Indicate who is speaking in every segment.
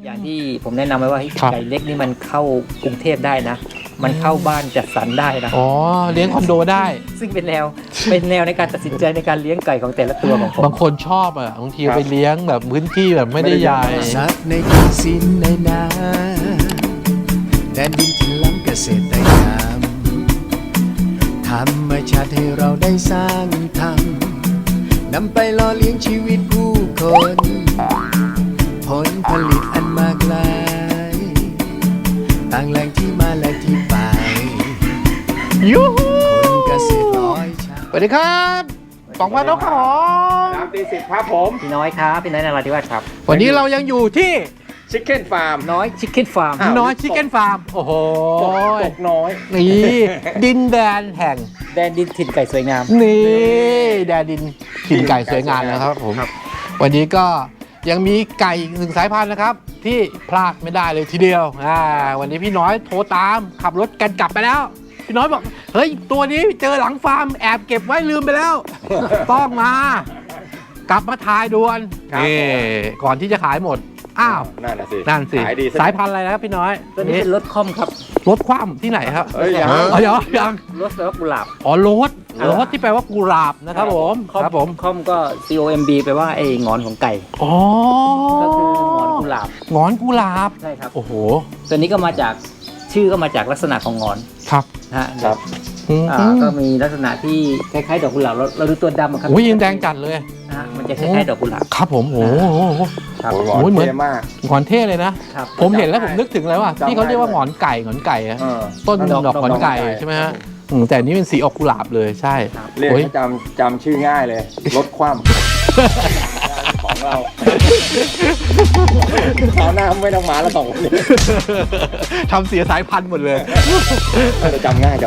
Speaker 1: อย่างที่ผมแนะนำไว้ว่าไก่เล็กนี่มันเข้ากรุงเทพได้นะ มันเข้าบ้านจัดสรรได้นะ
Speaker 2: อ๋อเลี้ยงคอนโดได้
Speaker 1: ซึ่งเป็นแนวในการตัดสินใจในการเลี้ยงไก่ของแต่ละตัวของผม
Speaker 2: บางคนชอบอ่ะบางทีไปเลี้ยงแบบพื้นที่แบบไม่ได้ใหญ่
Speaker 3: สัตว์ในกินสินในนาแดนดินที่ล้ำเกษตรกรรมธรรมชาติให้เราได้สร้างทำนำไปหล่อเลี้ยงชีวิตผู้คนผลผลิตอันมากมายต่างแหล่งที่มาและที่ไป
Speaker 2: ยูฮู
Speaker 3: คนเกษตรร้อยชา
Speaker 2: สวัสดีครับปองพันนกขอ
Speaker 4: น้ำตีสิบครับผม
Speaker 1: พี่น้อยครับพี่น้อยนราธิวาสครับ
Speaker 2: วันนี้เรายังอยู่ที่
Speaker 4: ชิคเก้นฟาร์ม
Speaker 1: น้อยชิคเก้นฟาร์ม
Speaker 2: น้อยชิคเก้นฟาร์มโอ้โห
Speaker 4: ตกน้อย
Speaker 2: นี่ดินแดนแห่ง
Speaker 1: แดนดินถิ่นไก่สวยงาม
Speaker 2: นี่แดนดินถิ่นไก่สวยงามนะครับผมวันนี้ก็ยังมีไก่อีกหนึ่งสายพันธุ์นะครับที่พลาดไม่ได้เลยทีเดียววันนี้พี่น้อยโทรตามขับรถกันกลับไปแล้วพี่น้อยบอกเฮ้ยตัวนี้เจอหลังฟาร์มแอบเก็บไว้ลืมไปแล้ว ต้องมากลับมาถ่ายด่วนก่อนที่จะขายหมดอ้าวนั่นสิสายพันธุ์อะไรนะครับพี่น้อย
Speaker 1: ตัวนี้เป็นรถค่อมครับ
Speaker 2: รถคว่ำที่ไหนครับ
Speaker 1: ยังรถแปลว่ากุหลาบ
Speaker 2: รถที่แปลว่ากุหลาบนะครับผม
Speaker 1: ค่อมก็ COMB แปลว่าไอ้งอนของไก่ก็คืองอนกุหลาบใช่ครับ
Speaker 2: โอ้โห
Speaker 1: ตัวนี้ก็มาจากชื่อก็มาจากลักษณะของงอน
Speaker 2: ครับ
Speaker 1: ครับก็มีลักษณะที่คล้ายๆดอกกุหลาบเราดูตัวดำครับ
Speaker 2: อุ้ยยังแดงจัดเลย
Speaker 1: มันจะคล้ายๆดอกกุหลาบ
Speaker 2: ครับผมโอ้โห
Speaker 4: เหมือนมาก
Speaker 2: หงอนเท่เลยนะผมเห็นแล้วผมนึกถึงเลยว่าที่เขาเรียกว่าหงอนไก่ต้นดอกหงอนไก่ใช่ไหมฮะแต่นี้เป็นสีออกกุหลาบเลยใช่
Speaker 4: เรียกจำชื่อง่ายเลยรถคว่ำของเราเขาหน้าไม่ต้องมาแล้วสองคนนี้
Speaker 2: ทำเสียสายพันธุ์หมดเลย
Speaker 4: จำง่าย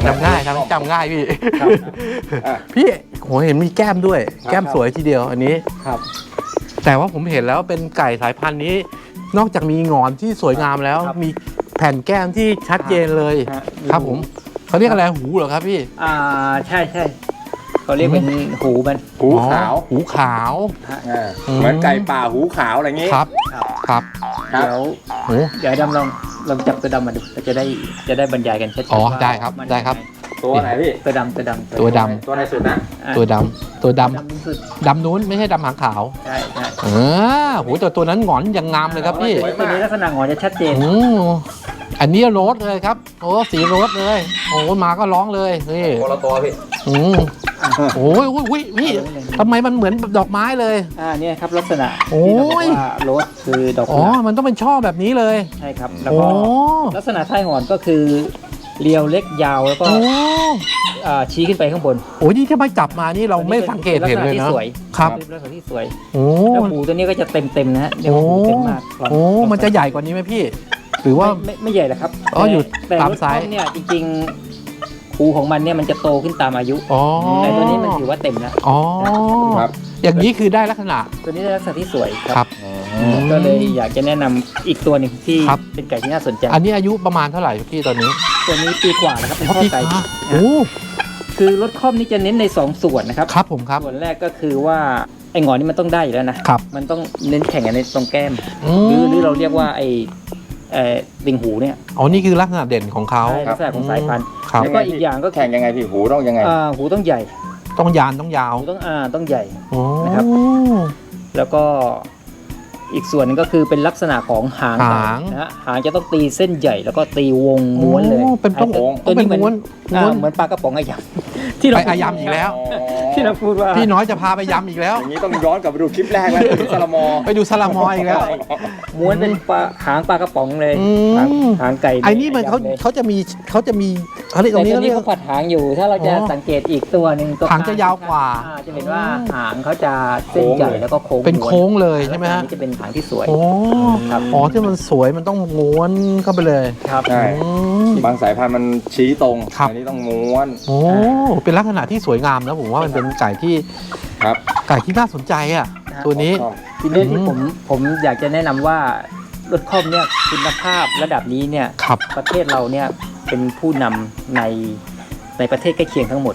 Speaker 2: พี่โหเห็นมีแก้มด้วยแก้มสวยทีเดียวอันนี้
Speaker 1: ครับ
Speaker 2: แต่ว่าผมเห็นแล้วเป็นไก่สายพันธุ์นี้นอกจากมีหงอนที่สวยงามแล้วมีแผ่นแก้มที่ชัดเจนเลยครับผมเขาเรียกอะไรหูเหรอครับพี่
Speaker 1: ใช่เขาเรียกเป็นหู
Speaker 2: ขาว
Speaker 4: เหมือนไก่ป่าหูขาวอะไรอย่างงี้
Speaker 2: ครับ
Speaker 1: เดี๋ยวดำลองจับตัวดำมาดูจะได้บรรยายกันชัด
Speaker 2: ๆได้ครับ
Speaker 4: ตัวไหนพี่
Speaker 1: ตัวดำ
Speaker 4: ตัวไหนสุดนะ
Speaker 2: ตัวดำนู้นไม่ใช่ดำหางขาว
Speaker 1: ใช่
Speaker 2: โหแต่ตัวนั้นหงอนยังงามเลยครับพี่
Speaker 1: ตัวนี้ลักษณะหงอนจะชัดเจน
Speaker 2: อันนี้โรสเลยครับโอ้สีโรสเลยโอ้มาก็ร้องเลยนี่
Speaker 4: คนละตัวพี่
Speaker 2: โอ้ยพี่ทำไมมันเหมือนดอกไม้เลย
Speaker 1: เนี่ยครับลักษณะที่เราบอกว่าโรสคือดอก
Speaker 2: มันต้องเป็นช่อแบบนี้เลย
Speaker 1: ใช่ครับแล้วก็ลักษณะท้ายหงอนก็คือเรียวเล็กยาวแล้วก็ชี้ขึ้นไปข้างบน
Speaker 2: โอ้ยนี่ถ้าไม่จับมานี่เราไม่สังเกตเห็นเลยนะครับ
Speaker 1: ลักษณะที่สวยแล้วหูตัวนี้ก็จะเต็มนะฮะเดี๋ยวหูเต็มมาก
Speaker 2: มันจะใหญ่กว่านี้ไหมพี่หรือว่า
Speaker 1: ไม่ใหญ่หรอกครับ
Speaker 2: อยู่ตามไซส์
Speaker 1: เนี่ยจริงๆหูของมันเนี่ยมันจะโตขึ้นตามอายุแต่ตัวนี้มันถือว่าเต็มแล้ว
Speaker 2: ครับอย่างนี้คือได้ลักษณะ
Speaker 1: ตัวนี้ได้ลักษณะที่สวยครับก็เลยอยากจะแนะนำอีกตัวหนึ่งที่เป็นไก่ที่น่าสนใจ
Speaker 2: อันนี้อายุประมาณเท่าไหร่พี่ตอนนี้
Speaker 1: ตัวนี้ปีกว่าแล้วครับเป็นข้อไก่คือรถค่อมนี่จะเน้นใน2ส่วนนะครับ
Speaker 2: ครับผมครับ
Speaker 1: ส่วนแรกก็คือว่าไอ้งอนนี่มันต้องได้อยู่แล้วนะมันต้องเน้นแข่งกันในตรงแก้มหรือเราเรียกว่าไอ้ติ่งหูเนี่ย
Speaker 2: นี่คือลักษณะเด่นของเขา
Speaker 1: ลักษณะของสายพันธุ์แล้วก็อีกอย่างก็
Speaker 4: แข่งยังไงพี่หูต้องยังไง
Speaker 1: หูต้องใหญ่
Speaker 2: ต้องยานต้องยาว
Speaker 1: ต้องใหญ่นะครับแล้วก็อีกส่วนนึงก็คือเป็นลักษณะของหางนะฮะหางจะต้องตีเส้นใหญ่แล้วก็ตีวงม้วนเลย
Speaker 2: เป็นตัวนี้เห
Speaker 1: มือนปลากระป๋องอายำ
Speaker 2: ที่เราไปอายำอีกแล้ว
Speaker 1: ที่เราพูดว่า
Speaker 2: พี่น้อยจะพาไปยำอีกแล้ว
Speaker 4: อย่างนี้ต้องย้อนกลับไปดูคลิปแรกแล้วไปดูซาลามอ
Speaker 2: อีกแล้ว
Speaker 1: ม้วนเป็นหางปลากระป๋องเลยหางไก่
Speaker 2: ไอ้นี่มันเขาจะมีเขาเรียกตรงนี้
Speaker 1: เขาผัดหางอยู่ถ้าเราจะสังเกตอีกตัวหนึ่ง
Speaker 2: หางจะยาวกว่า
Speaker 1: จะเห็นว่าหางเขาจะเส้นใหญ่แล้วก็โค้ง
Speaker 2: เป็นโค้งเลยใช่ไหมฮะ
Speaker 1: จะเป็นหางที่สวย
Speaker 2: ครับที่มันสวยมันต้องม้วนเข้าไปเลย
Speaker 1: ครับ
Speaker 4: ใช่บางสายพันธุ์มันชี้ตรงอันนี้ต้องม้วน
Speaker 2: เป็นลักษณะที่สวยงามนะผมว่ามันเป็นไก่ที่น่าสนใจอ่ะตัวนี้
Speaker 1: ทีนี้ที่ผมอยากจะแนะนำว่ารถค่อมเนี่ยคุณภาพระดับนี้เนี่ยประเทศเราเนี่ยเป็นผู้นำในประเทศใกล้เคียงทั้งหมด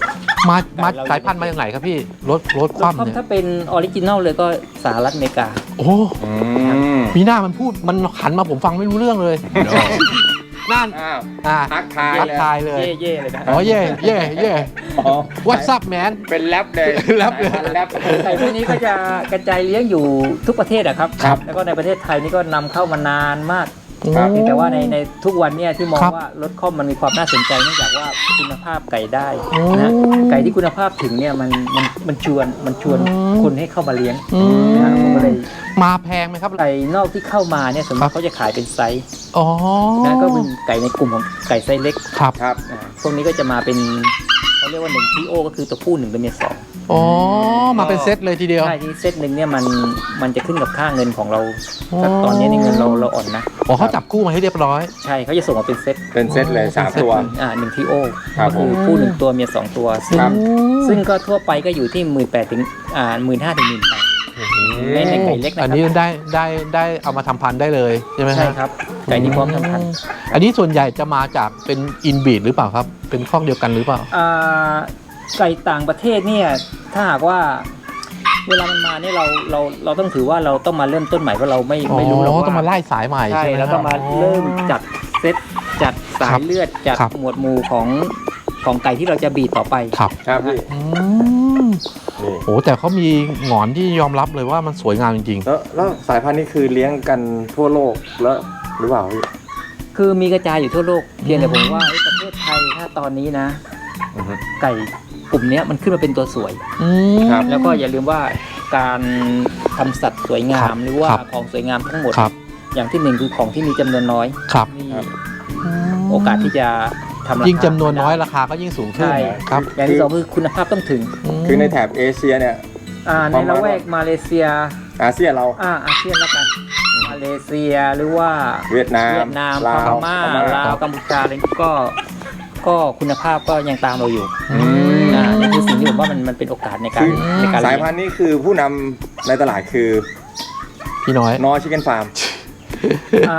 Speaker 2: มา
Speaker 1: ไก่เรา
Speaker 2: สายพันธุ์มาจากไหนครับพี่รถค
Speaker 1: รถ
Speaker 2: ว่ำ
Speaker 1: คว่ำ
Speaker 2: เนี่ย
Speaker 1: ถ้าเป็นออริจินัลเลยก็สหรัฐอเมริกา
Speaker 2: โอ้
Speaker 4: อืม
Speaker 2: มีหน้ามันพูดมันหันมาผมฟังไม่รู้เรื่องเลยนั่น
Speaker 4: อ้าว
Speaker 2: อ่า
Speaker 4: ทักทาย
Speaker 2: ทัก
Speaker 4: เลย
Speaker 2: ทายเลย
Speaker 1: เย่ๆเลยนะ
Speaker 2: อ๋อเย่เย่เย่
Speaker 4: อ๋อ
Speaker 2: What's up man
Speaker 4: เป็นแรปเลย
Speaker 2: แรปเลย
Speaker 4: สายพันธุ์แรป
Speaker 1: ไก่พวกนี้ก็จะกระจายเลี้ยงอยู่ทุกประเทศอะครับ
Speaker 4: ครับ
Speaker 1: แล้วก็ในประเทศไทยนี่ก็นำเข้ามานานมาก
Speaker 4: ครับ
Speaker 1: เพียงแต่ว่าในทุกวันเนี่ยที่มอง
Speaker 2: ครับ
Speaker 1: ว่ารถค่อมมันมีความน่าสนใจเนื่องจากว่าคุณภาพไก่ได้
Speaker 2: โอ้
Speaker 1: นะไก่ที่คุณภาพถึงเนี่ยมันชวน
Speaker 2: อืม
Speaker 1: คนให้เข้ามาเลี้ยง
Speaker 2: อืม
Speaker 1: นะผมก็เลย
Speaker 2: มาแพงไหมครับ
Speaker 1: ไก่นอกที่เข้ามาเนี่ยส่วนมากเขาจะขายเป็นไซส์
Speaker 2: อ๋อ
Speaker 1: นะก็เป็นไก่ในกลุ่มของไก่ไซส์เล็ก
Speaker 2: ครับ
Speaker 4: ครับ
Speaker 1: พวกนี้ก็จะมาเป็นเขาเรียกว่า1 TO ก็คือตัวผู้1ตัวเมีย2
Speaker 2: อ๋อมาเป็นเซตเลยทีเดียว
Speaker 1: ใช่ที่เซตหนึ่งเนี่ยมันจะขึ้นกับค่าเงินของเรา
Speaker 2: อ๋อ
Speaker 1: ถ้าตอนนี้นี่เงินเราอ่อนนะ
Speaker 2: อ๋อเขาจับคู่มาให้เรียบร้อย
Speaker 1: ใช่เขาจะส่งมาเป็นเซต
Speaker 4: เป็นเซตเลยสามตัว
Speaker 1: 1 TO
Speaker 4: ครับ
Speaker 1: ก็คือผู้1ตัวเมีย2ตัว
Speaker 4: ครับ
Speaker 1: ซึ่งก็ทั่วไปก็อยู่ที่ 18,000 ถึง15,000 ถึง 18,000ในไก่เล็กนะ
Speaker 2: อัน
Speaker 1: ค
Speaker 2: นี้
Speaker 1: รับ
Speaker 2: ได้เอามาทำพันธุ์ได้เลยใช่ไหม
Speaker 1: ใช่ครับไก่ที่พร้อมทำพันธุ์
Speaker 2: อันนี้ส่วนใหญ่จะมาจากเป็นอินบีดหรือเปล่าครับ เป็นข้องเดียวกันหรือเปล่า
Speaker 1: ไก่ต่างประเทศเนี่ยถ้าหากว่าเวลามันมาเนี่ยเราต้องถือว่าเราต้องมาเริ่มต้นใหม่เพราะเราไม่รู้หรอก
Speaker 2: อ๋อ
Speaker 1: ว่า
Speaker 2: ต้องมาไล่สายใหม่
Speaker 1: ใช่
Speaker 2: ใช่ไหม
Speaker 1: แล้วก็มาเริ่มจัดเซตจัดสา
Speaker 2: ครั
Speaker 1: ย
Speaker 2: บ
Speaker 1: เลือดจัด
Speaker 2: ครับ
Speaker 1: หมวดหมู่ของไก่ที่เราจะบีดต่อไป
Speaker 2: ครับ
Speaker 4: ครับพี่
Speaker 2: อืม
Speaker 4: นี่
Speaker 2: โอ้แต่เขามีหงอนที่ยอมรับเลยว่ามันสวยงามจริง
Speaker 4: แล้วสายพันธุ์นี้คือเลี้ยงกันทั่วโลกแล้วหรือเปล่าพี่
Speaker 1: คือมีกระจายอยู่ทั่วโลกเพียงแต่ผมว่าประเทศไทยถ้าตอนนี้นะ
Speaker 4: อือฮึ
Speaker 1: ไก่กลุ่มเนี้ยมันขึ้นมาเป็นตัวสวย
Speaker 2: อืม
Speaker 4: ครับ
Speaker 1: แล้วก็อย่าลืมว่าการทำสัตว์สวยงามหรือว่า
Speaker 2: ครับ
Speaker 1: ของสวยงามทั้งหมด
Speaker 2: ครับ
Speaker 1: อย่างที่หนึ่งคือของที่มีจำนวนน้อย
Speaker 2: ครับ
Speaker 1: มี
Speaker 4: ครับ
Speaker 1: โอกาสที่จะทำราคา
Speaker 2: ยิ่งจำนวนน้อยราคาก็ยิ่งสูงขึ้น
Speaker 1: ใช่
Speaker 2: ครับ
Speaker 1: อย่างที่สองคือคุณภาพต้องถึง
Speaker 4: คือในแถบเอเชียเนี่ย
Speaker 1: ในละแวกมาเลเซีย
Speaker 4: อาเซียนเรา
Speaker 1: อาเซียนแล้วกันมาเลเซียหรือว่า
Speaker 4: เวียดนาม
Speaker 1: พ
Speaker 4: ลาว
Speaker 1: ม่า
Speaker 4: พม่า
Speaker 1: ลาวกัมพูชาอะไรก็คุณภาพก็ยังตามเราอยู่
Speaker 2: อืม
Speaker 1: นี่คือสิ่งที่ผมว่ามันเป็นโอกาสในการ
Speaker 4: คือ
Speaker 1: ในการ
Speaker 4: สาย
Speaker 1: เลี้ยง
Speaker 4: พันธุ์นี้คือผู้นำในตลาดคือ
Speaker 2: พี่น้อย
Speaker 4: นอชิคเก้นฟาร์ม
Speaker 1: อ่า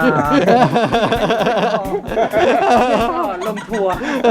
Speaker 1: ก็ลงทัวร์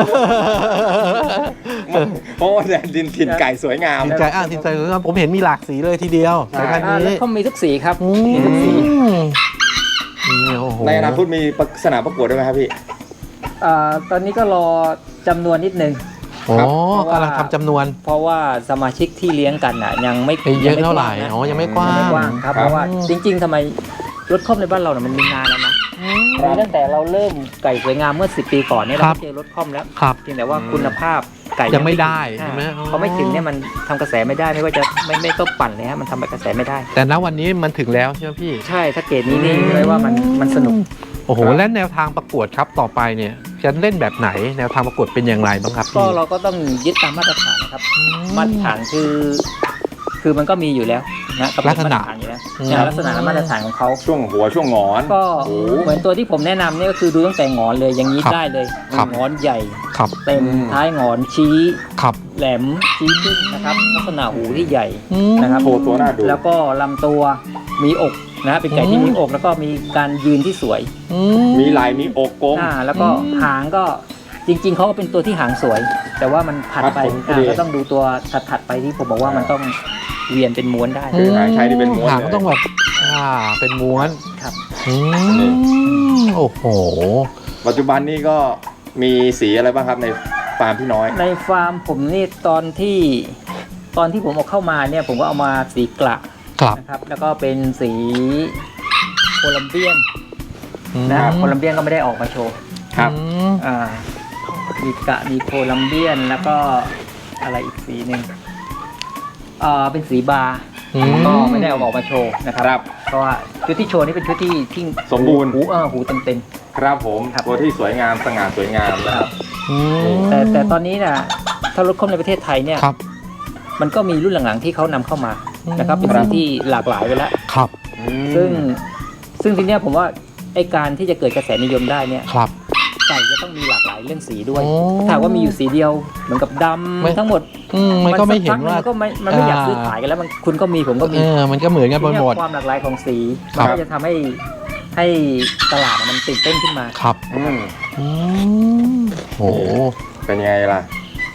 Speaker 4: เพราะว่าแดนดินถิ่นไก่สวยงาม
Speaker 2: ทินใจทินใจผมเห็นมีหลากสีเลยทีเดียว
Speaker 4: ใช่
Speaker 2: สายพันธุ์
Speaker 1: แล้ว
Speaker 2: นี้
Speaker 1: ก็มีทุกสีครับ
Speaker 2: อื
Speaker 1: มีทุกสี
Speaker 2: นี่โอ้โห
Speaker 4: ในอนาคตมีสนามประกวดด้วยไหมครับพี่
Speaker 1: ตอนนี้ก็รอจำนวนนิดนึง
Speaker 2: โอ้
Speaker 1: ครับ
Speaker 2: กำลังทำจำนวน
Speaker 1: เพราะว่าสมาชิกที่เลี้ยงกันยังไม่
Speaker 2: ไม่เยอะเท่าไหร่
Speaker 1: ยัง
Speaker 2: อ๋อ
Speaker 1: ไม่
Speaker 2: ยังไม่กว้า
Speaker 1: ไม่
Speaker 2: ง
Speaker 1: กว้างครับ
Speaker 4: ครับ
Speaker 1: เพราะว่าจริง ๆทำไมรถคอมในบ้านเรามันมีนานแล้วนะมีตั้งแต่เราเริ่มไก่สวยงามเมื่อ10 ปีก่อนเนี่ย
Speaker 2: ครั
Speaker 1: เรา
Speaker 2: บ
Speaker 1: ก็เจอรถคอมแล้ว
Speaker 2: ครับ
Speaker 1: เพียงแต่ว่าคุณภาพไก่
Speaker 2: ยังไม่ได้
Speaker 1: ถึ
Speaker 2: ใช่ไหมอ๋อ
Speaker 1: พอไม่ถึงเนี่ยมันทำกระแสไม่ได้ไม่ว่าจะไม่ต้องปั่นเลยฮะมันทำกระแสไม่ได้
Speaker 2: แต่ณวันนี้มันถึงแล้วใช่ไหมพี่
Speaker 1: ใช่ถ้าเกรดนี้นี่เลยว่ามันสนุก
Speaker 2: โอ้โห
Speaker 4: ครับ
Speaker 2: และแนวทางประกวดครับต่อไปเนี่ยจะเล่นแบบไหน แนวทางประกวดเป็นอย่างไรบ้างครับ
Speaker 1: ก็
Speaker 2: พี่
Speaker 1: เราก็ต้องยึดตามมาตรฐานนะครับ มาตรฐานคือมันก็มีอยู่แล้วนะกำหนดมาตรฐานอยู่แล้วลักษณะและมาตรฐานของเขา
Speaker 4: ช่วงหัวช่วงหงอน
Speaker 1: ก็
Speaker 4: โอ้
Speaker 1: เหมือนตัวที่ผมแนะนำเนี่ยก็คือดูตั้งแต่หงอนเลยอย่างนี้ได้เลย
Speaker 2: ครับ
Speaker 1: หงอนใหญ่
Speaker 2: ครับ
Speaker 1: เต็มท้ายหงอนชี้
Speaker 2: ครับ
Speaker 1: แหลมชี้ขึ้นนะครับลักษณะหูที่ใหญ่
Speaker 2: อืม
Speaker 1: นะครับ
Speaker 4: โชว์ตัวหน้าดู
Speaker 1: แล้วก็ลำตัวมีอกนะเป็นไก่ที่มีอกแล้วก็มีการยืนที่สวย
Speaker 2: อื
Speaker 4: มีไหลมีอกกลม
Speaker 1: แล้วก็หางก็จริง ๆเขาก็เป็นตัวที่หางสวย แต่ว่ามันผัดไป
Speaker 4: ครับผม
Speaker 1: ก็ต้องดูตัวถัดไปที่ผมบอกว่ามันต้องเวียนเป็นม้วนได้
Speaker 4: คือหางใช้ที่เป็นม้วน
Speaker 2: หาง
Speaker 4: เลย
Speaker 2: ก็ต้องแบบเป็นม้วน
Speaker 1: ครับ
Speaker 2: อืมโอ้โห
Speaker 4: ปัจจุบันนี้ก็มีสีอะไรบ้างครับในฟาร์มพี่น้อย
Speaker 1: ในฟาร์มผมนี่ตอนที่ผมเอาเข้ามาเนี่ยผมก็เอามาสีกระ
Speaker 2: ครับ
Speaker 1: นะครับ แล้วก็เป็นสีโคลัมเบียน
Speaker 2: อืม
Speaker 1: นะครับโคลัมเบียนก็ไม่ได้ออกมาโชว์
Speaker 4: ครับ
Speaker 2: อืม
Speaker 1: มีกระมีโคลัมเบียนแล้วก็อะไรอีกสีหนึ่งเป็นสีบาร์
Speaker 2: อืม
Speaker 1: ก็ไม่ได้เอาออกมาโชว์นะครับ
Speaker 4: ครับ
Speaker 1: เพราะว่าชุดที่โชว์นี่เป็นชุดที่
Speaker 4: สมบูรณ์
Speaker 1: หูเต็ม
Speaker 4: ครับผม
Speaker 1: ครับ
Speaker 4: ตัวที่สวยงามสง่าสวยงามนะครับ
Speaker 2: อืม
Speaker 1: ๆแต่ตอนนี้นะถ้ารถคอมในประเทศไทยเนี่ย
Speaker 2: ครับ
Speaker 1: มันก็มีรุ่นหลังๆที่เขานำเข้ามานะครับเป็น
Speaker 4: ครั
Speaker 1: สี
Speaker 4: บ
Speaker 1: ที่หลากหลายไปแล้ว
Speaker 2: ครับ
Speaker 1: ซึ่งทีเนี้ยผมว่าไอการที่จะเกิดกระแสนิยมได้เนี่ย
Speaker 2: ครับ
Speaker 1: ไก่จะต้องมีหลากหลายเรื่องสีด้วย
Speaker 2: โอ้
Speaker 1: ถ้าหากว่ามีอยู่สีเดียวเหมือนกับด
Speaker 2: ไม่
Speaker 1: ำทั้งหมด
Speaker 2: มันก็ไม่เห็น
Speaker 1: สักพัก
Speaker 2: ว่า
Speaker 1: งก็มันไม่อยากซื้อขายกันแล้วคุณก็มีผมก็มี
Speaker 2: มันก็เหมือนกันหม
Speaker 1: ทีเนี้ย
Speaker 2: ด
Speaker 1: ความหลากหลายของสี
Speaker 2: ครั
Speaker 1: มัน
Speaker 2: บ
Speaker 1: ก็จะทำให้ตลาดมันตื่นเต้นขึ้นมา
Speaker 2: ครับ
Speaker 4: อืม
Speaker 2: อืมโห
Speaker 4: เป็นยังไงล่ะ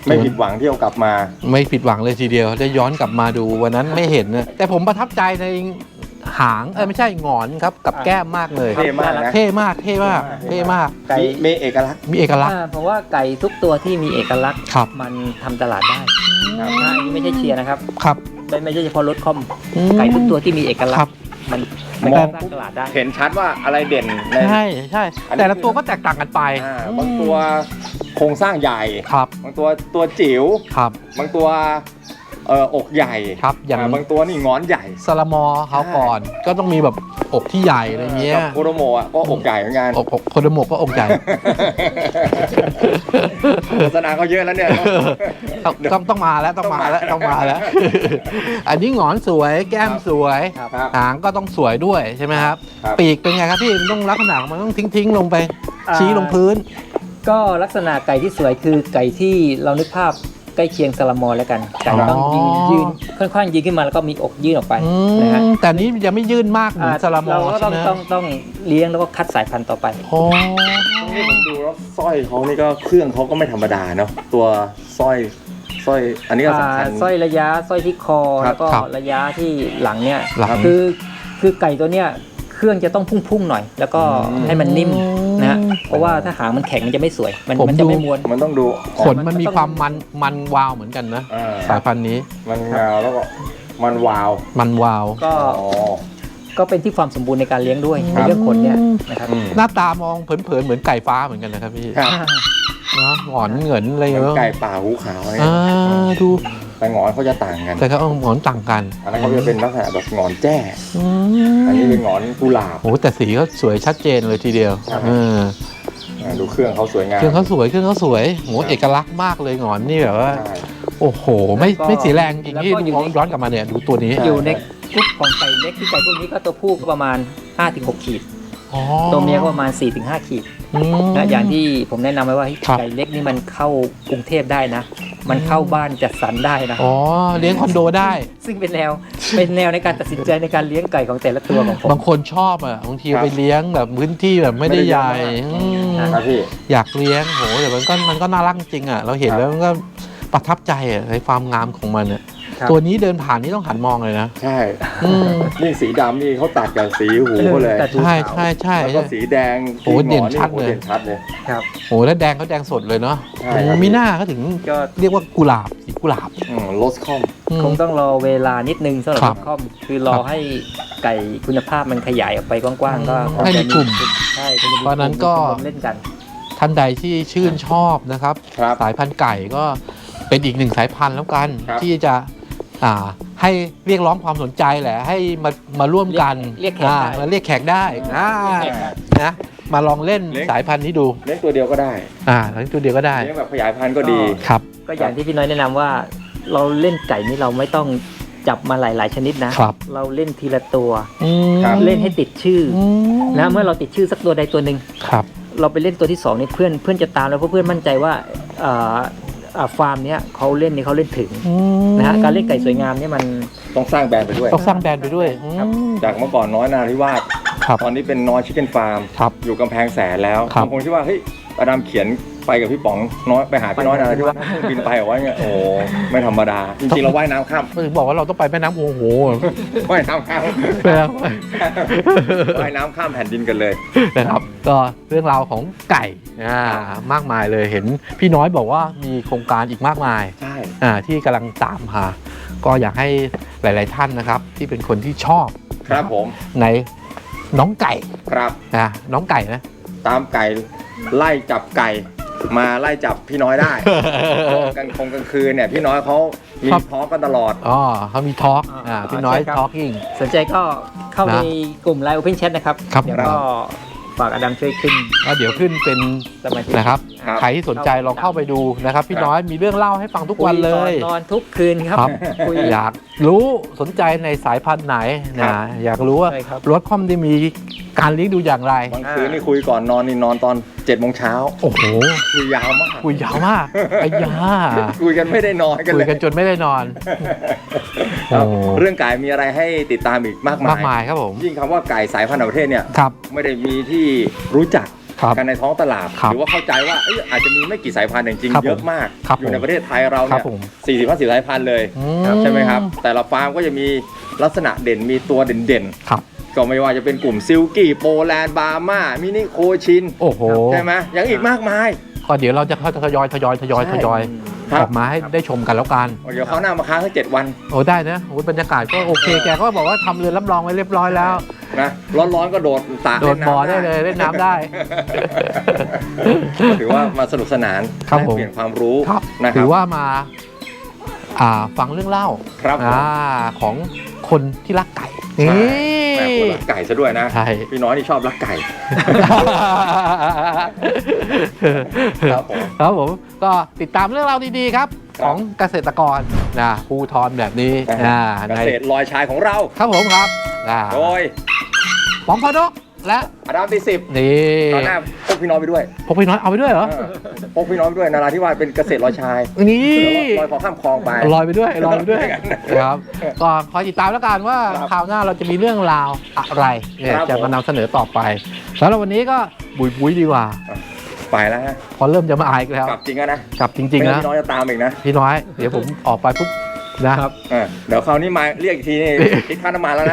Speaker 4: ไม่ผิดหวังที่เอากลับมา
Speaker 2: ไม่ผิดหวังเลยทีเดียวได้ย้อนกลับมาดูวันนั้นไม่เห็นนะแต่ผมประทับใจในหางไม่ใช่หงอนครับกับแก้มมากเลย
Speaker 4: เท่มากนะ
Speaker 2: เท่มากเท่มากเท่มาก
Speaker 1: ไก่
Speaker 4: มีเอกลักษณ์
Speaker 2: มีเอกลักษณ์
Speaker 1: เพราะว่าไก่ทุกตัวที่มีเอกลักษณ์
Speaker 2: ครับ
Speaker 1: มันทำตลาดได้อันนี้ไม่ใช่เชียร์นะครับ
Speaker 2: ครับ
Speaker 1: ไม่ใช่เฉพาะรถคอม
Speaker 2: อืม
Speaker 1: ไก่ทุกตัวที่มีเอกลัก
Speaker 2: ครั
Speaker 1: ษ
Speaker 2: บ
Speaker 1: ณ์มัน
Speaker 4: มอง
Speaker 1: สร้างตลาดได้
Speaker 4: เห็นชัดว่าอะไรเด่นใน
Speaker 2: ใช่ใช่
Speaker 4: อันนี้
Speaker 2: แต่ละตัวก็แตกต่างกันไป
Speaker 4: บางตัวโครงสร้างใหญ่
Speaker 2: ครับ
Speaker 4: บางตัวจิ๋ว
Speaker 2: ครับ
Speaker 4: บางตัวอกใหญ่
Speaker 2: ครับอย่าง
Speaker 4: บางตัวนี่งอนใหญ่
Speaker 2: ซาลามอเขาก่อนก็ต้องมีแบบอกที่ใหญ่อะไรเงี้ย
Speaker 4: กับโคโดโมะก็อกใหญ่เหมือนกัน
Speaker 2: อกโคโดโมะก็อกใหญ่
Speaker 4: โฆษณาเขาเยอะแล้วเนี่ย
Speaker 2: ต้องมาแล้วต้องมาแล้วต้องมาแล้ว อันนี้หงอนสวยแก้มสวย
Speaker 1: ครับ
Speaker 4: ครับ
Speaker 2: หางก็ต้องสวยด้วยใช่ไหมครับ
Speaker 4: ครับ
Speaker 2: ปีกเป็นไงครับพี่มันต้องลักษณะมันต้องทิ้งลงไป
Speaker 1: อ่า
Speaker 2: ชี้ลงพื้น
Speaker 1: ก็ลักษณะไก่ที่สวยคือไก่ที่เรานึกภาพใกล้เคียงซาลามอนแล้วกันไก่ต้องยืนค่อนข้างยืนขึ้นมาแล้วก็มีอกยื่นออกไปนะฮะ
Speaker 2: แต่นี้ยังไม่ยื่นมากเหมือนซาลามอ
Speaker 1: เราก็
Speaker 2: ใช่ไหม
Speaker 1: ต้องเลี้ยงแล้วก็คัดสายพันธุ์ต่อไป
Speaker 2: โอ้
Speaker 4: นี่ผมดูแล้วสร้อยเขานี่ก็เครื่องเขาก็ไม่ธรรมดาเนาะตัวสร้อยอันนี้ก็สำคัญ
Speaker 1: สร้อยระยะสร้อยที่คอ
Speaker 4: ครับ
Speaker 1: แล้วก็ระยะที่หลังเนี่ย
Speaker 2: หลัง
Speaker 1: คือไก่ตัวเนี้ยเครื่องจะต้องพุ่งๆหน่อย แล้วก็ให้มันนิ่มนะฮะเพราะว่าถ้าหางมันแข็งมันจะไม่สวยมันจะไม่ม้วน
Speaker 4: มันต้องดู
Speaker 2: ขนมันมีความมันวาวเหมือนกันนะ
Speaker 4: อ่า
Speaker 2: สายพันธุ์นี้
Speaker 4: มันเงาแล้วก็มันวาว
Speaker 2: มันวาว
Speaker 1: ก็
Speaker 4: อ๋อ
Speaker 1: ก็เป็นที่ความสมบูรณ์ในการเลี้ยงด้วย
Speaker 4: ครั
Speaker 1: ใน
Speaker 4: บ
Speaker 1: เรื่องขนเนี่ยนะครับ
Speaker 4: อืม
Speaker 2: หน้าตามองเผินๆเหมือนไก่ฟ้าเหมือนกันนะครับพี่
Speaker 4: ครับ
Speaker 2: เนาะหงอนเหงินอะไร
Speaker 4: เหมือน
Speaker 2: เงี้ย
Speaker 4: ไก่ป่าหูขาวเนี่ย
Speaker 2: ดู
Speaker 4: แต่หงอนเขาจะต่างกัน
Speaker 2: แต่เขาเอาหงอนต่างกัน
Speaker 4: อันนั้นเขาจะเป็นลักษณะแบบหงอนแจ้
Speaker 2: อื
Speaker 4: อันนี้
Speaker 2: ม
Speaker 4: เป็นหงอนกุหลาบ
Speaker 2: โอ้แต่สีเขาสวยชัดเจนเลยทีเดียว
Speaker 4: ครับ ดูเครื่องเขาสวยงาม
Speaker 2: เครื่องเขาสวยเครื่องเขาสวยโหเอกลักษณ์มากเลยหงอนนี่แบบว่า
Speaker 4: ใช่
Speaker 2: โอ้โห ไม่สีแรงจริงที่ดูย้อนกลับมาเนี่ยดูตัวนี้
Speaker 1: อยู่ในกลุ่มของไก่เล็กที่ไก่พวกนี้ก็ตัวผู้ก็ประมาณ 5-6 ขีด
Speaker 2: อ๋อ
Speaker 1: ตัวเมียก็ประมาณ 4-5 ขีด
Speaker 2: อืม
Speaker 1: นะอย่างที่ผมแนะนำไว้ว่าเฮ้ย
Speaker 2: ครับ
Speaker 1: ไก่เล็กนี่มันเข้ากรุงเทพได้นะ มันเข้าบ้านจัดสรรได้นะ
Speaker 2: อ๋อเลี้ยงคอนโดได้
Speaker 1: ซึ่งเป็นแนวในการตัดสินใจในการเลี้ยงไก่ของแต่ละตัวของผม
Speaker 2: บางคนชอบอ่ะบางทีไปเลี้ยงแบบพื้นที่แบบไม่ได้ใหญ่อืม
Speaker 4: ครับพี่
Speaker 2: อยากเลี้ยงโหแต่มันก็น่ารักจริงอ่ะเราเห็นแล้วมันก็ประทับใจอ่ะในความงามของมันอ่ะ
Speaker 1: ครับ
Speaker 2: ตัวนี้เดินผ่านนี่ต้องหันมองเลยนะ
Speaker 4: ใช่
Speaker 2: อืม
Speaker 4: นี่สีดำนี่เขาตัดกับสีหูเขาเลย
Speaker 1: แต่ดู
Speaker 2: ใช่
Speaker 1: ขาว
Speaker 2: ใช่ใช่
Speaker 4: แล้วก็สีแดง
Speaker 2: โอ้เด่นชัดเลย
Speaker 4: เด่นชัดเลย
Speaker 1: ครับ
Speaker 2: โหแล้วแดงเขาแดงสดเลยเนาะ
Speaker 4: ใช่ครับ
Speaker 2: มีหน้าเขาถึง
Speaker 1: ก็
Speaker 2: เรียกว่ากุหลาบสีกุหลาบ
Speaker 4: โรสคอม
Speaker 2: อืม
Speaker 1: คงต้องรอเวลานิดนึงสำหรับ
Speaker 2: ครับ
Speaker 1: คอมคือรอให้ไก่คุณภาพมันขยายออกไปกว้างๆก็คง
Speaker 2: ให้มี
Speaker 1: จะ
Speaker 2: กลุ่ม
Speaker 1: ใช่ก็จะมี
Speaker 2: เพราะฉะนั้นก็
Speaker 1: ชมรมเล่นกัน
Speaker 2: ท่านใดที่ชื่นชอบนะครับ
Speaker 4: ครับ
Speaker 2: สายพันธุ์ไก่ก็เป็นอีกหนึ่งสายพันธุ์แล้วกัน
Speaker 4: ครับ
Speaker 2: ที่จะให้เรียกร้องความสนใจแหละ ให้มาร่วมกัน
Speaker 1: เรียกแขกได้
Speaker 2: มาเรียกแขกได้นะมาลองเล่นสายพันธุ์นี้ดู
Speaker 4: เลี้ยงตัวเดียวก็ได้
Speaker 2: เล่นตัวเดียวก็ได้
Speaker 4: เลี้ยงแบบขยายพันธุ์ก็ดี
Speaker 2: ครับ
Speaker 1: ก็อย่างที่พี่น้อยแนะนำว่า เราเล่นไก่นี่เราไม่ต้องจับมาหลาย ๆ ชนิดนะ
Speaker 2: ครับ
Speaker 1: เราเล่นทีละตัว
Speaker 4: ครับ
Speaker 1: เล่นให้ติดชื่อ
Speaker 2: อืม
Speaker 1: นะเมื่อเราติดชื่อสักตัวใดตัวหนึ่ง
Speaker 2: ครับ
Speaker 1: เราไปเล่นตัวที่สองนี่เพื่อนจะตามแล้วเพราะเพื่อนมั่นใจว่าฟาร์มเนี้ยเขาเล่นนี่เขาเล่นถึงนะฮะการเล่นไก่สวยงามเนี่ยมัน
Speaker 4: ต้องสร้างแบรนด์ไปด้วย
Speaker 2: ต้องสร้างแบรนด์ไปด้วยอืม
Speaker 4: จากเมื่อก่อนน้อยนาธิวาส
Speaker 2: ครับ
Speaker 4: ตอนนี้เป็นน้อยชิคเก้นฟาร์ม
Speaker 2: ครับ
Speaker 4: อยู่กำแพงแสนแล้ว
Speaker 2: ครับ
Speaker 4: บางคนคิดว่าเฮ้ยอดัมเขียนไปกับพี่ป๋องน้อยไปหาพี่น้อยนาธิวาสบินไปเหรอวะเนี่ยโอ้ไม่ธรรมดา จริงๆเราว่ายน้ำข้าม
Speaker 2: ถึงบอกว่าเราต้องไปแม่น้ำโอ้โห
Speaker 4: ว่ายน้ำข้าม
Speaker 2: แม่น้
Speaker 4: ว่ายน้ำข้ามแผ่นดินกันเลย
Speaker 2: ำนะครับ ก็เรื่องราวของไก่มากมายเลยเห็นพี่น้อยบอกว่ามีโครงการอีกมากมาย
Speaker 4: ใช่
Speaker 2: ที่กำลังตามหาก็อยากให้หลาย ๆ ท่านนะครับ ที่เป็นคนที่ชอบ
Speaker 4: ครับผม
Speaker 2: ในน้องไก่
Speaker 4: ครับ
Speaker 2: น้องไก่นะ
Speaker 4: ตามไก่ไล่จับไก่มาไล่จับพี่น้อยได้ กันกลางคืนเนี่ยพี่น้อยเขามี
Speaker 2: ครับ
Speaker 4: ทอล์กกันตลอด
Speaker 2: อ๋อเขามีทอล์กพี่น้อย
Speaker 1: ใช่ครับ
Speaker 2: ทอล์กิ้ง
Speaker 1: สนใจก็เข้า
Speaker 2: นะ
Speaker 1: ในกลุ่ม Line Open Chat นะครับ
Speaker 2: ครับ
Speaker 1: เดี๋ยวก็ฝากอดัมช่วยขึ้น
Speaker 2: แล้วเดี๋ยวขึ้นเป็น
Speaker 1: สมาชิก
Speaker 2: นะครับ
Speaker 4: ครับ
Speaker 2: ใครที่สนใจลองเข้าไปดูนะครับ พี่น้อยมีเรื่องเล่าให้ฟังทุกวันเลย
Speaker 1: คุก่อนนอนทุกคืนครับ
Speaker 2: ครับ
Speaker 1: คุย
Speaker 2: อยากรู้สนใจในสายพันธุ์ไหน
Speaker 4: ครั
Speaker 2: นะ
Speaker 4: บ
Speaker 2: อยากรู้ว่า
Speaker 1: ใช่ครับ
Speaker 2: รถคอมได้มีการเลี้ยงดูอย่างไร
Speaker 4: บางคืนนี่คุยก่อนนอนนี่นอนตอน7 โมงเช้า
Speaker 2: โอ้โห
Speaker 4: คุยยาวมาก
Speaker 2: คุยยาวมากไอ้ยา
Speaker 4: คุยกันไม่ได้นอนกัน
Speaker 2: คุ
Speaker 4: เลย ย
Speaker 2: กันจนไม่ได้นอน
Speaker 4: ครับ
Speaker 2: โอ้
Speaker 4: เรื่องไก่มีอะไรให้ติดตามอีกมาก
Speaker 2: มากมายครับผม
Speaker 4: ยิ่งคำว่าไก่สายพันธุ์ต่างประเทศเนี่ย
Speaker 2: ครับ
Speaker 4: ไม่ได้มีที่รู้จัก
Speaker 2: ครับ
Speaker 4: กันในท้องตลาด
Speaker 2: ครับ
Speaker 4: หรือว่าเข้าใจว่าอาจจะมีไม่กี่สายพันธุ์แต่จริง
Speaker 2: ครับ
Speaker 4: ๆเยอะมาก
Speaker 2: ครับ
Speaker 4: อยู่ในประเทศไทยเรา
Speaker 2: ครั
Speaker 4: เนี่
Speaker 2: บผม
Speaker 4: ย40-50 สายพันธุ์เลย ใช่ไหมครับ แต่ละฟาร์มก็จะมีลักษณะเด่นมีตัวเด่น
Speaker 2: ครับ
Speaker 4: ๆ ก็ไม่ว่าจะเป็นกลุ่มซิลกี้โปแลนด์บาร์มามินิโคชิน
Speaker 2: โอ้โห
Speaker 4: ใช่ไหมยังอีกมากมาย
Speaker 2: ก็เดี๋ยวเราจะทยอย
Speaker 4: ครับ
Speaker 2: ออกมาให้ได้ชมกันแล้วกัน
Speaker 4: เดี๋ยวเขาวหน้ามาค้างให้7 วัน
Speaker 2: โอ้ได้นะโอ้บรรยากาศก็โอเค แกก็บอกว่าทำเรือนรับรองไว้เรียบร้อยแล้ว
Speaker 4: นะร้อนๆก็โดดสระ
Speaker 2: โดดบ่อได้เลยเล่นน้ำได้
Speaker 4: ถือว่ามาสนุกสนาน
Speaker 2: ครับ
Speaker 4: แลก
Speaker 2: ผม
Speaker 4: เปลี่ยนความรู้
Speaker 2: ครับ
Speaker 4: นะค
Speaker 2: ถื
Speaker 4: รับ
Speaker 2: อว่ามาฟังเรื่องเล่า
Speaker 4: ครับผม
Speaker 2: ของคนที่รักไก่
Speaker 4: ใช่
Speaker 2: นี่
Speaker 4: แม่คนรักไก่ซะด้วยนะ
Speaker 2: ใช่
Speaker 4: พี่น้อยนี่ชอบรักไก่ ครับผม
Speaker 2: ครับผมก็ติดตามเรื่องราวดีๆครับ
Speaker 4: ครับ
Speaker 2: ของเกษตรกรนะภูทรแบบนี้
Speaker 4: เก
Speaker 2: ใน
Speaker 4: ษตรลอยชายของเรา
Speaker 2: ครับผมครับ
Speaker 4: โดย
Speaker 2: ป๋องพอนกและ
Speaker 4: อดัมที่10
Speaker 2: นี่
Speaker 4: ตอนหน้าพกพี่น้อยไปด้วย
Speaker 2: พกพี่น้อยเอาไปด้วยเหรอ
Speaker 4: พกพี่น้อยไปด้วยนาราธิวาสเป็นเกษตรลอยชาย
Speaker 2: นี่
Speaker 4: ลอยคอข้ามคลองไป
Speaker 2: ลอยไปด้วยลอยไปด้วย
Speaker 4: อย่างนั้น
Speaker 2: ครับก็คอยติดตามแล้วกันว่า
Speaker 4: ครับ
Speaker 2: คราวหน้าเราจะมีเรื่องราวอะไรเนี่ย
Speaker 4: ครับ
Speaker 2: จะ
Speaker 4: ผม
Speaker 2: มานำเสนอต่อไปสำหรับวันนี้ก็บุยๆดีกว่า
Speaker 4: ไปแล้วฮะ
Speaker 2: พอเริ่มจะมาอายอีกแล้ว
Speaker 4: กลับจริงแล้วนะ
Speaker 2: กลับจริงๆ
Speaker 4: ไม่
Speaker 2: นะ
Speaker 4: งั้นพี่น้อยจะตามอีกนะ
Speaker 2: พี่น้อย เดี๋ยวผมออกไปปุ๊บนะครับ
Speaker 4: เดี๋ยวคราวนี้มาเรียกอีกทีนี่คิดค่าน้ำมันแล้วนะ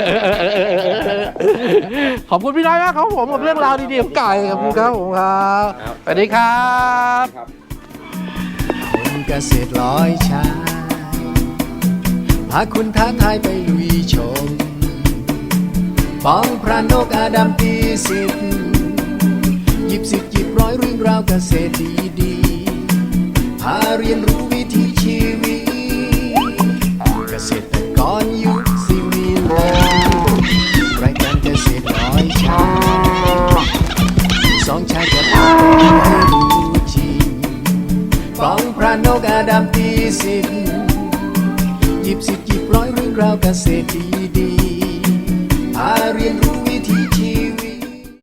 Speaker 2: ขอบคุณพี่น้อยมากครับผมกับเรื่องราวดีๆของไก่ขอบคุณครับผมครับ
Speaker 4: ครับ
Speaker 2: สวัสดีครับ
Speaker 4: ครับ
Speaker 3: คนเกษตรลอยชายพาคุณท้าทายไปลุยชมป้องพระนกอาดัมตีสิทธิ์หยิบ10 หยิบร้อยเรื่องราวเกษตรดีๆพาเรียนรู้วิถีชีวิตเกษตรกรยุคสิวิไลรายการเกษตรลอยชายสองชายจะพาไปให้รู้จริงป้องพระนกอาดัมตีสิทธิ์หยิบ10 หยิบร้อยเรื่องราวเกษตรดี